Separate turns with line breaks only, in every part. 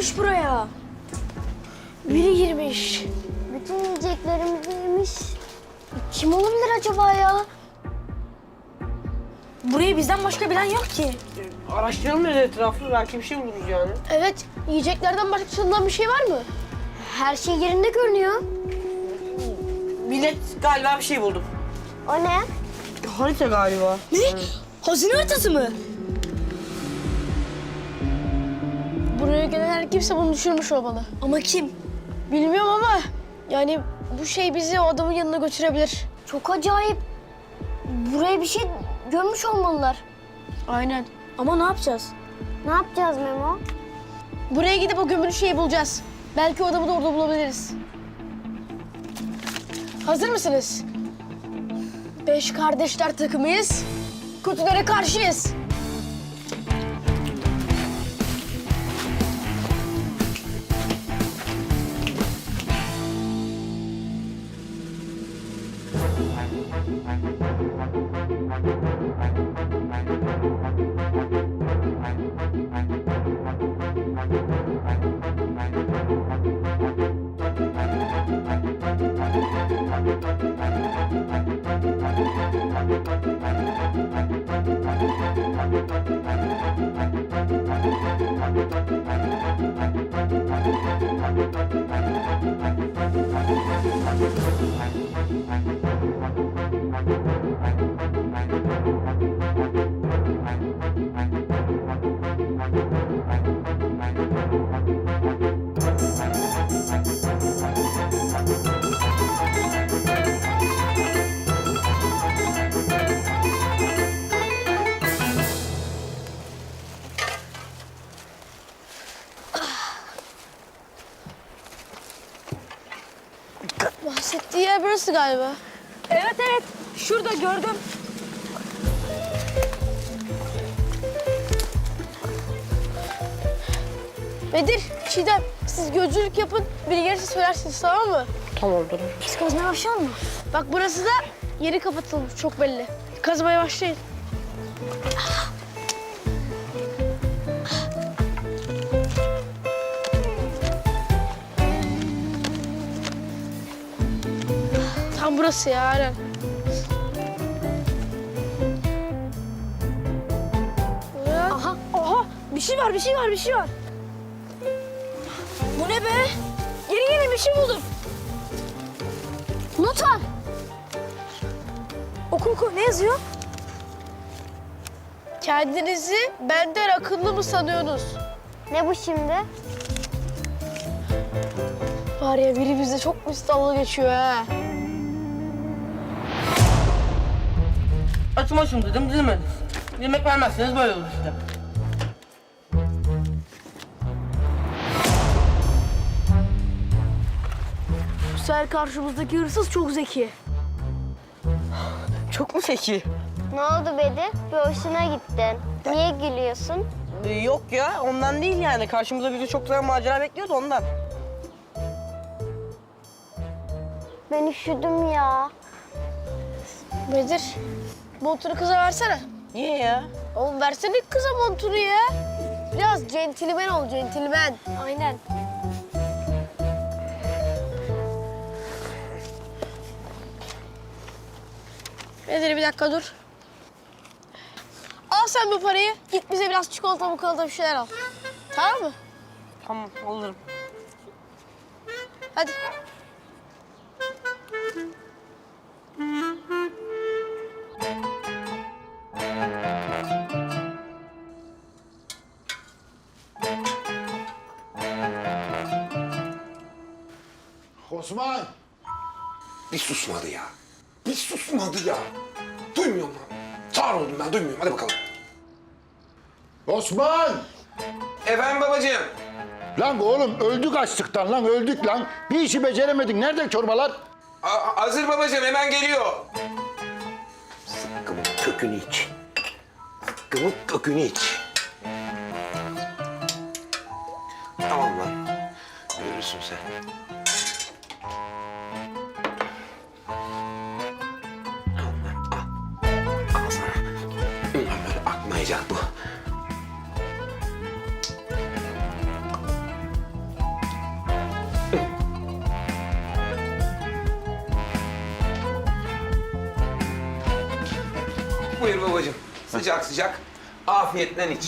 girmiş buraya. Biri girmiş.
Bütün yiyeceklerimizi yemiş. Kim olabilir acaba ya?
Burayı bizden başka bilen yok ki.
Araştıralım dedi etrafı. Belki bir şey buluruz yani.
Evet, yiyeceklerden başka çalınan bir şey var mı?
Her şey yerinde görünüyor.
Millet galiba bir şey buldum.
O ne?
Harita galiba.
Ne? Hazine haritası mı? Buraya gelen her kimse bunu düşürmüş olmalı. Ama kim? Bilmiyorum ama yani bu şey bizi o adamın yanına götürebilir.
Çok acayip. Buraya bir şey görmüş olmalılar.
Aynen. Ama ne yapacağız?
Ne yapacağız Memo?
Buraya gidip o gömülü şeyi bulacağız. Belki o adamı da orada bulabiliriz. Hazır mısınız? 5 kardeşler takımıyız. Kötülere karşıyız. Bahsettiği yer burası galiba. Evet evet. Şurada gördüm. Bedir, Çiğdem siz gözcülük yapın. Biri gelirse söylersiniz tamam mı?
Tamamdır.
Biz kazmaya başlayalım mı? Bak burası da yeri kapatılmış çok belli. Kazmaya başlayın. Tam burası ya Aren. Aha, aha. Bir şey var, bir şey var, bir şey var. Bu ne be? Yeni bir şey buldum. Not var. Oku oku. Ne yazıyor? Kendinizi benden akıllı mı sanıyorsunuz?
Ne bu şimdi?
Var ya biri bize çok müstahlı geçiyor ha.
Açım dedim, dinlemediniz. Yemek vermezseniz böyle olur işte.
Bu sefer karşımızdaki hırsız çok zeki.
Çok mu zeki?
Ne oldu Bedir? Bir hoşuna gittin. Niye gülüyorsun?
Yok ya, ondan değil yani. Karşımıza bizi çok güzel macera bekliyordu ondan.
Ben üşüdüm ya.
Bedir, montunu kıza versene.
Niye ya?
Oğlum versene kıza montunu ya. Biraz centilmen ol, centilmen. Aynen. Bedir bir dakika dur. Al sen bu parayı. Git bize biraz çikolata bir şeyler al. Tamam mı?
Tamam, alırım.
Hadi.
Osman! Bir susmadı ya. Bir susmadı ya. Duymuyorum lan. Sağır oldum ben, duymuyorum. Hadi bakalım. Osman!
Efendim babacığım.
Lan oğlum öldük açlıktan lan, öldük lan. Bir işi beceremedik. Nerede çorbalar?
Hazır babacığım, hemen geliyor.
Zıkkımın kökünü iç. Zıkkımın kökünü iç.
Tamam lan. Görürsün sen. Al lan, al. Al sana. Ulan böyle akmayacak bu. Buyur babacığım. Sıcak sıcak. Afiyetle iç.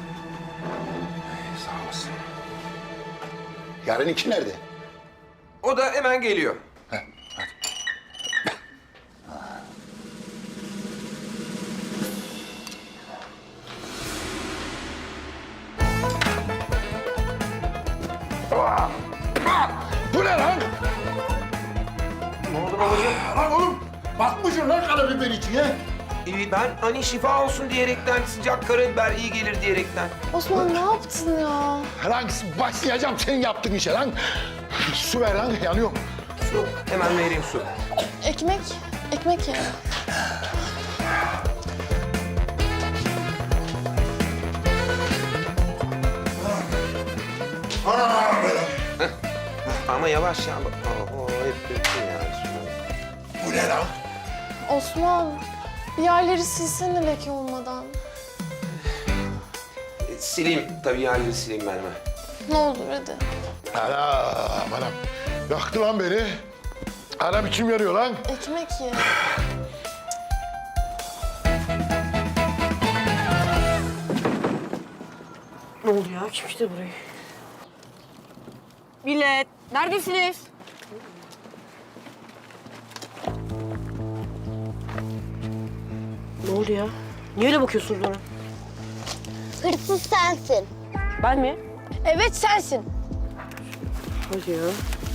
Sağ olasın. Yarınki nerede?
O da hemen geliyor.
Heh, hadi. Bu ne lan?
Ne oldu babacığım?
Lan oğlum batmışsın lan karabiber içine.
Ben hani şifa olsun diyerekten, sıcak karabiber iyi gelir diyerekten.
Osman ne yaptın ya?
Lan başlayacağım senin yaptığın işe lan. Su ver lan yanıyorum.
Su, hemen vereyim su.
Ekmek. Ekmek ya.
Ama yavaş ya. Oo, hep döktün ya.
Bu ne lan?
Osman bir yerleri silsene leke olmadan.
Sileyim, tabii yerleri sileyim ben hemen.
Ne olur hadi.
Anam. Yaktı lan beni. Anam içim yarıyor lan.
Ekmek ye.
Ne oldu ya? Kim işte burayı? Millet, neredesiniz? Ne oldu ya? Niye öyle bakıyorsunuz bana?
Hırsız sensin.
Ben mi?
Evet sensin.
Hadi ya.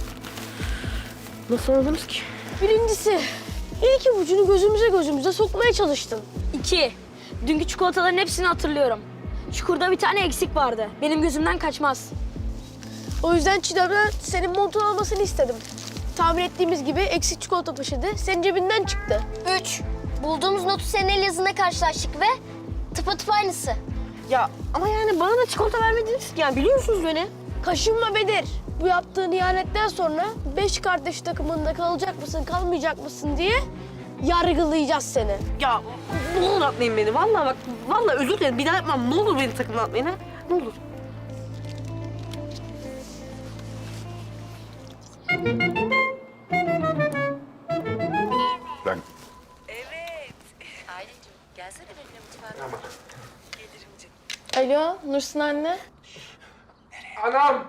Nasıl anladınız ki?
Birincisi ilk ipucunu gözümüze sokmaya çalıştın. 2. Dünkü çikolataların hepsini hatırlıyorum. Çukurda bir tane eksik vardı. Benim gözümden kaçmaz. O yüzden Çiğdem'den senin montun almasını istedim. Tahmin ettiğimiz gibi eksik çikolata taşıdı. Senin cebinden çıktı.
3. Bulduğumuz notu senin el yazına karşılaştık ve tıpatıp aynısı.
Ya ama yani bana da çikolata vermediniz ki. Yani biliyorsunuz beni.
Kaşınma Bedir. Bu yaptığın ihanetten sonra 5 kardeş takımında kalacak mısın, kalmayacak mısın diye yargılayacağız seni.
Ya ne olur atmayın beni. Vallahi bak, vallahi özür dilerim. Bir daha yapmam. Ne olur beni takımdan atmayın ha. Ne olur.
Lan
Ailecim gelsene benimle mutfağa. Gelirim canım.
Alo, Nursin anne.
Anam!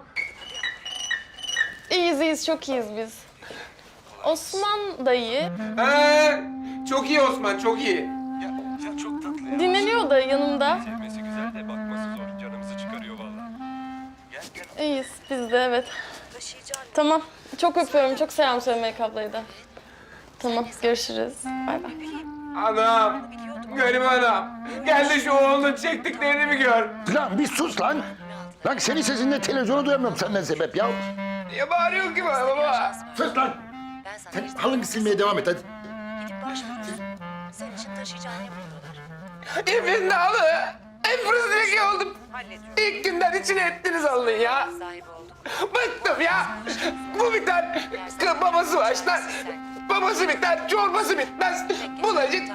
İyiyiz, çok iyiyiz biz. Osman dayı
Çok iyi Osman, çok iyi.
Ya çok tatlı ya.
dinleniyor da yanımda.
Sevmesi güzel de bakması zor. Canımızı çıkarıyor vallahi. Gel gel.
İyiyiz biz de evet.
Taşıyacağım.
Tamam, çok öpüyorum. Çok selam söyle Melek ablayı da. Tamam, görüşürüz. Bay bay.
Anam! Garibi anam. Gel de şu oğlunun çektiklerini bir gör.
Lan bir sus lan. Lan senin sesinden televizyonu duyamıyorum senden sebep ya.
Niye bağırıyorsun ki bana baba?
Sus lan.
Ben sana
Sen
bir
halını silmeye devam et hadi.
gidip başvurursun. Senin için taşıyacağını yapıyorlar.
Hepiniz halı. Hep fırızdaki oldum.
Hallediyorum.
İlk günden içine ettiniz halını ya.
Sahibi olduk.
Bıktım ya. Bu biter. Babası başlar. Babası biter. Çorbası bitmez. Bulaşık.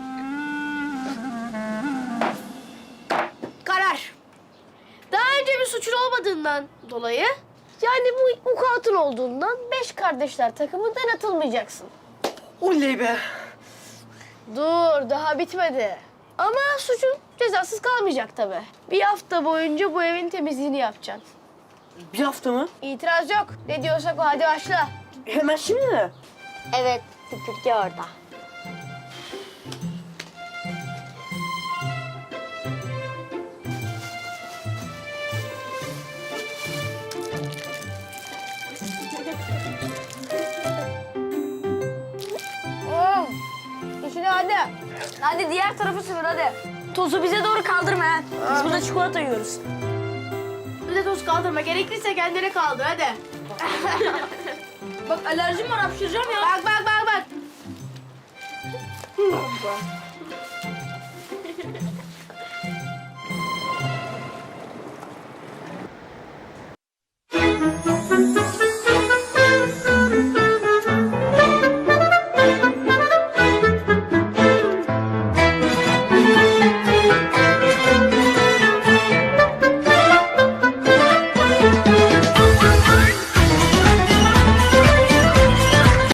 Karar. Daha önce bir suçun olmadığından dolayı, yani bu vukuatın olduğundan 5 kardeşler takımından atılmayacaksın.
Oley be.
Dur, daha bitmedi. Ama suçun cezasız kalmayacak tabii. Bir hafta boyunca bu evin temizliğini yapacaksın.
Bir hafta mı?
İtiraz yok. Ne diyorsak o, hadi başla.
Hemen şimdi mi?
Evet, süpürge orada.
İşine hadi. Hadi diğer tarafı süpür hadi. Tozu bize doğru kaldırma ha. Biz burada çikolata yiyoruz. Bize toz kaldırma. Gerekirse kendine kaldır hadi. Bak alerjim var, hapşıracağım ya. Bak.